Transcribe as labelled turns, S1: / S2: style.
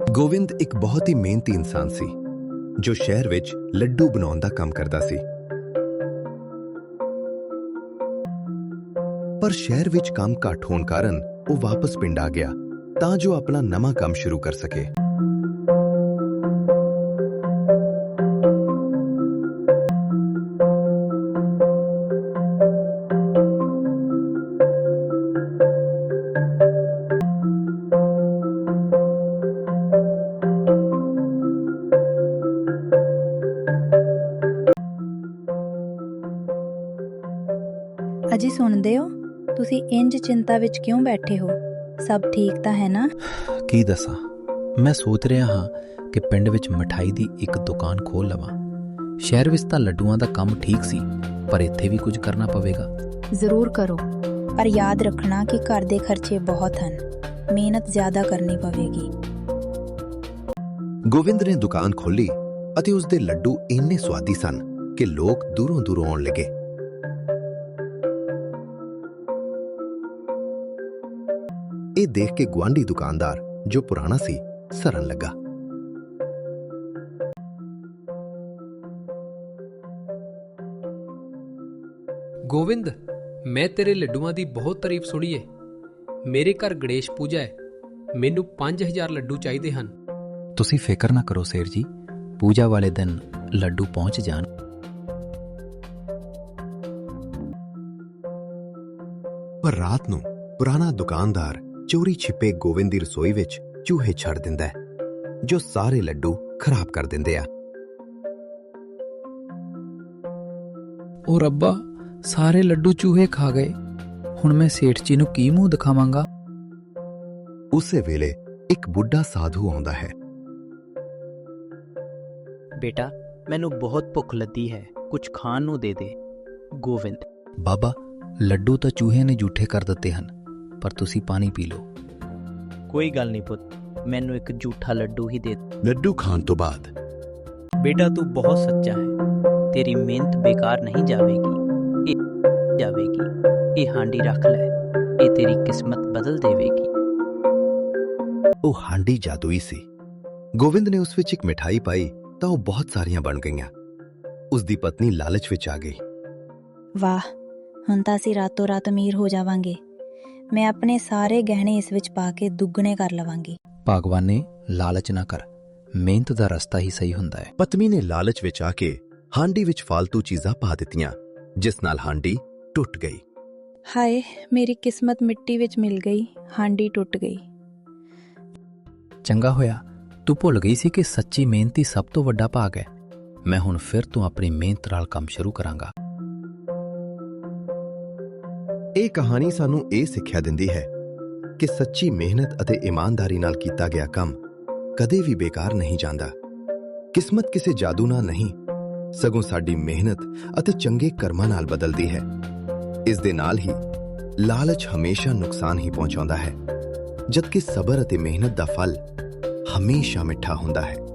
S1: ਗੋਵਿੰਦ ਇੱਕ ਬਹੁਤ ਹੀ ਮਿਹਨਤੀ ਇਨਸਾਨ ਸੀ ਜੋ ਸ਼ਹਿਰ ਵਿੱਚ ਲੱਡੂ ਬਣਾਉਣ ਦਾ ਕੰਮ ਕਰਦਾ ਸੀ। ਪਰ ਸ਼ਹਿਰ ਵਿੱਚ ਕੰਮ ਘੱਟ ਹੋਣ ਕਾਰਨ ਉਹ ਵਾਪਸ ਪਿੰਡ ਆ ਗਿਆ ਤਾਂ ਜੋ ਆਪਣਾ ਨਵਾਂ ਕੰਮ ਸ਼ੁਰੂ ਕਰ ਸਕੇ।
S2: ਅਜੀ ਸੁਣਦੇ ਹੋ? ਤੁਸੀਂ ਇੰਜ ਚਿੰਤਾ ਵਿੱਚ ਕਿਉਂ ਬੈਠੇ ਹੋ? ਸਭ ਠੀਕ ਤਾਂ ਹੈ ਨਾ?
S3: ਕੀ ਦੱਸਾਂ, ਮੈਂ ਸੋਚ ਰਿਹਾ ਹਾਂ ਕਿ ਪਿੰਡ ਵਿੱਚ ਮਠਾਈ ਦੀ ਇੱਕ ਦੁਕਾਨ ਖੋਲ੍ਹ ਲਵਾਂ। ਸ਼ਹਿਰ ਵਿੱਚ ਤਾਂ ਲੱਡੂਆਂ ਦਾ ਕੰਮ ਠੀਕ ਸੀ, ਪਰ ਇੱਥੇ ਵੀ ਕੁਝ ਕਰਨਾ ਪਵੇਗਾ।
S2: ਜ਼ਰੂਰ ਕਰੋ, ਪਰ ਯਾਦ ਰੱਖਣਾ ਕਿ ਘਰ ਦੇ ਖਰਚੇ ਬਹੁਤ ਹਨ। ਮਿਹਨਤ ਜ਼ਿਆਦਾ ਕਰਨੀ ਪਵੇਗੀ।
S1: ਗੋਵਿੰਦ ਨੇ ਦੁਕਾਨ ਖੋਲ੍ਹੀ ਅਤੇ ਉਸ ਦੇ ਲੱਡੂ ਇੰਨੇ ਸੁਆਦੀ ਸਨ ਕਿ ਲੋਕ ਦੂਰੋਂ ਦੂਰੋਂ ਆਉਣ ਲੱਗੇ। ਇਹ ਦੇਖ ਕੇ ਗੁਆਂਢੀ ਦੁਕਾਨਦਾਰ ਜੋ ਪੁਰਾਣਾ ਸੀ ਸਰਨ ਲੱਗਾ।
S4: ਗੋਵਿੰਦ, ਮੈਂ ਤੇਰੇ ਲੱਡੂਆਂ ਦੀ ਬਹੁਤ ਤਾਰੀਫ ਸੁਣੀ ਏ। ਮੇਰੇ ਘਰ ਗਣੇਸ਼ ਪੂਜਾ ਹੈ, ਮੈਨੂੰ 5000 ਲੱਡੂ ਚਾਹੀਦੇ ਹਨ।
S3: ਤੁਸੀਂ ਫਿਕਰ ਨਾ ਕਰੋ ਸੇਠ ਜੀ, ਪੂਜਾ ਵਾਲੇ ਦਿਨ ਲੱਡੂ ਪਹੁੰਚ ਜਾਣ।
S1: ਪਰ ਰਾਤ ਨੂੰ ਪੁਰਾਣਾ ਦੁਕਾਨਦਾਰ ਚੋਰੀ ਛਿਪੇ ਗੋਵਿੰਦ ਦੀ ਰਸੋਈ ਵਿੱਚ ਚੂਹੇ ਛੱਡ ਦਿੰਦਾ ਹੈ ਜੋ ਸਾਰੇ ਲੱਡੂ ਖਰਾਬ ਕਰ ਦਿੰਦੇ ਆ।
S3: ਉਹ ਰੱਬਾ, ਸਾਰੇ ਲੱਡੂ ਚੂਹੇ ਖਾ ਗਏ। ਹੁਣ ਮੈਂ ਸੇਠ ਜੀ ਨੂੰ ਕੀ ਮੂੰਹ ਦਿਖਾਵਾਂਗਾ?
S1: ਉਸੇ ਵੇਲੇ ਇੱਕ ਬੁੱਢਾ ਸਾਧੂ ਆਉਂਦਾ ਹੈ।
S5: ਬੇਟਾ, ਮੈਨੂੰ ਬਹੁਤ ਭੁੱਖ ਲੱਗੀ ਹੈ, ਕੁਝ ਖਾਣ ਨੂੰ ਦੇ ਦੇ। ਗੋਵਿੰਦ:
S3: ਬਾਬਾ, ਲੱਡੂ ਤਾਂ ਚੂਹੇ ਨੇ ਝੂਠੇ ਕਰ ਦਿੱਤੇ ਹਨ, ਪਰ ਤੁਸੀਂ ਪਾਣੀ ਪੀ ਲਓ।
S5: ਕੋਈ ਗੱਲ ਨਹੀਂ ਪੁੱਤ, ਮੈਨੂੰ ਇੱਕ ਝੂਠਾ ਲੱਡੂ ਹੀ ਦੇ।
S1: ਲੱਡੂ ਖਾਣ ਤੋਂ ਬਾਅਦ
S5: ਬੇਟਾ, ਤੂੰ ਬਹੁਤ ਸੱਚਾ ਹੈ, ਤੇਰੀ ਮਿਹਨਤ ਬੇਕਾਰ ਨਹੀਂ ਜਾਵੇਗੀ। ਇਹ ਹਾਂਡੀ ਰੱਖ ਲੈ, ਇਹ ਤੇਰੀ ਕਿਸਮਤ ਬਦਲ ਦੇਵੇਗੀ।
S1: ਉਹ ਹਾਂਡੀ ਜਾਦੂਈ ਸੀ। ਗੋਵਿੰਦ ਨੇ ਉਸ ਵਿੱਚ ਇੱਕ ਮਿਠਾਈ ਪਾਈ ਤਾਂ ਉਹ ਬਹੁਤ ਸਾਰੀਆਂ ਬਣ ਗਈਆਂ। ਉਸ ਦੀ ਪਤਨੀ ਲਾਲਚ ਵਿੱਚ ਆ ਗਈ।
S2: ਵਾਹ, ਹੁਣ ਤਾਂ ਅਸੀਂ ਰਾਤੋਂ ਰਾਤ ਅਮੀਰ ਹੋ ਜਾਵਾਂਗੇ। ਮੈਂ ਆਪਣੇ ਸਾਰੇ ਗਹਿਣੇ ਇਸ ਵਿੱਚ ਪਾ ਕੇ ਦੁੱਗਣੇ ਕਰ ਲਵਾਂਗੀ।
S3: ਭਗਵਾਨ ਨੇ ਲਾਲਚ ਨਾ ਕਰ, ਮਿਹਨਤ ਦਾ ਰਸਤਾ ਹੀ ਸਹੀ ਹੁੰਦਾ ਹੈ।
S1: ਪਤਨੀ ਨੇ ਲਾਲਚ ਵਿੱਚ ਆ ਕੇ ਹਾਂਡੀ ਵਿੱਚ ਫਾਲਤੂ ਚੀਜ਼ਾਂ ਪਾ ਦਿੱਤੀਆਂ, ਜਿਸ ਨਾਲ ਹਾਂਡੀ ਟੁੱਟ ਗਈ।
S2: ਹਾਏ, ਮੇਰੀ ਕਿਸਮਤ ਮਿੱਟੀ ਵਿੱਚ ਮਿਲ ਗਈ, ਹਾਂਡੀ ਟੁੱਟ ਗਈ।
S3: ਚੰਗਾ ਹੋਇਆ ਤੂੰ ਭੁੱਲ ਗਈ ਸੀ ਕਿ ਸੱਚੀ ਮਿਹਨਤ ਹੀ ਸਭ ਤੋਂ ਵੱਡਾ ਭਾਗ ਹੈ। ਮੈਂ ਹੁਣ ਫਿਰ ਤੋਂ ਆਪਣੀ ਮਿਹਨਤ ਨਾਲ ਕੰਮ ਸ਼ੁਰੂ ਕਰਾਂਗਾ।
S1: ਇਹ ਕਹਾਣੀ ਸਾਨੂੰ ਇਹ ਸਿੱਖਿਆ ਦਿੰਦੀ ਹੈ ਕਿ ਸੱਚੀ ਮਿਹਨਤ ਅਤੇ ਇਮਾਨਦਾਰੀ ਨਾਲ ਕੀਤਾ ਗਿਆ ਕੰਮ ਕਦੇ ਵੀ ਬੇਕਾਰ ਨਹੀਂ ਜਾਂਦਾ। ਕਿਸਮਤ ਕਿਸੇ ਜਾਦੂ ਨਾਲ ਨਹੀਂ, ਸਗੋਂ ਸਾਡੀ ਮਿਹਨਤ ਅਤੇ ਚੰਗੇ ਕਰਮਾਂ ਨਾਲ ਬਦਲਦੀ ਹੈ। ਇਸ ਦੇ ਨਾਲ ਹੀ ਲਾਲਚ ਹਮੇਸ਼ਾ ਨੁਕਸਾਨ ਹੀ ਪਹੁੰਚਾਉਂਦਾ ਹੈ, ਜਦਕਿ ਸਬਰ ਅਤੇ ਮਿਹਨਤ ਦਾ ਫਲ ਹਮੇਸ਼ਾ ਮਿੱਠਾ ਹੁੰਦਾ ਹੈ।